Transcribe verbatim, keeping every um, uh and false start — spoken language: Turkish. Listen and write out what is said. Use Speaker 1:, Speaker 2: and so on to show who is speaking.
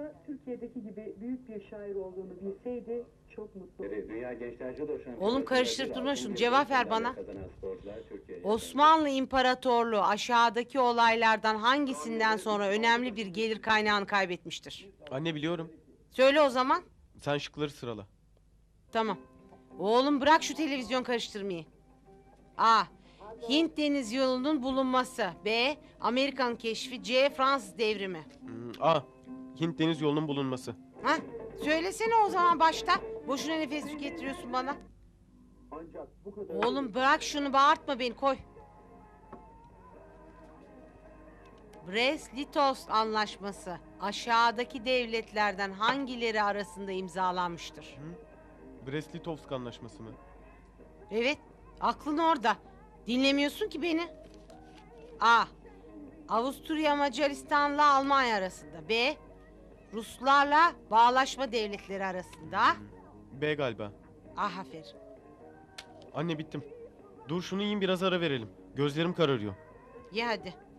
Speaker 1: da Türkiye'deki gibi büyük bir şair olduğunu bilseydi çok mutlu olurdu.
Speaker 2: Dünya Gençler Judo Şampiyonası.
Speaker 3: Oğlum karıştırıp durma şunu, cevap ver bana. Osmanlı İmparatorluğu aşağıdaki olaylardan hangisinden sonra önemli bir gelir kaynağını kaybetmiştir?
Speaker 4: Anne biliyorum.
Speaker 3: Söyle o zaman.
Speaker 4: Sen şıkları sırala.
Speaker 3: Tamam. Oğlum bırak şu televizyon karıştırmayı. A. Hint Deniz Yolu'nun bulunması. B. Amerikan keşfi. C. Fransız devrimi.
Speaker 4: Hmm, A. Hint Deniz Yolu'nun bulunması.
Speaker 3: Ha? Söylesene o zaman başta. Boşuna nefes tükettiriyorsun bana.
Speaker 2: Ancak bu kadar...
Speaker 3: Oğlum bırak şunu, bağırtma beni, koy. Brest-Litovsk Anlaşması aşağıdaki devletlerden hangileri arasında imzalanmıştır?
Speaker 4: Brest-Litovsk Anlaşması mı?
Speaker 3: Evet, aklın orada. Dinlemiyorsun ki beni. A. Avusturya Macaristan'la Almanya arasında. B. Ruslarla Bağlaşma Devletleri arasında.
Speaker 4: B galiba.
Speaker 3: Ah, aferin.
Speaker 4: Anne bittim. Dur şunu yiyin, biraz ara verelim. Gözlerim kararıyor.
Speaker 3: Ye hadi.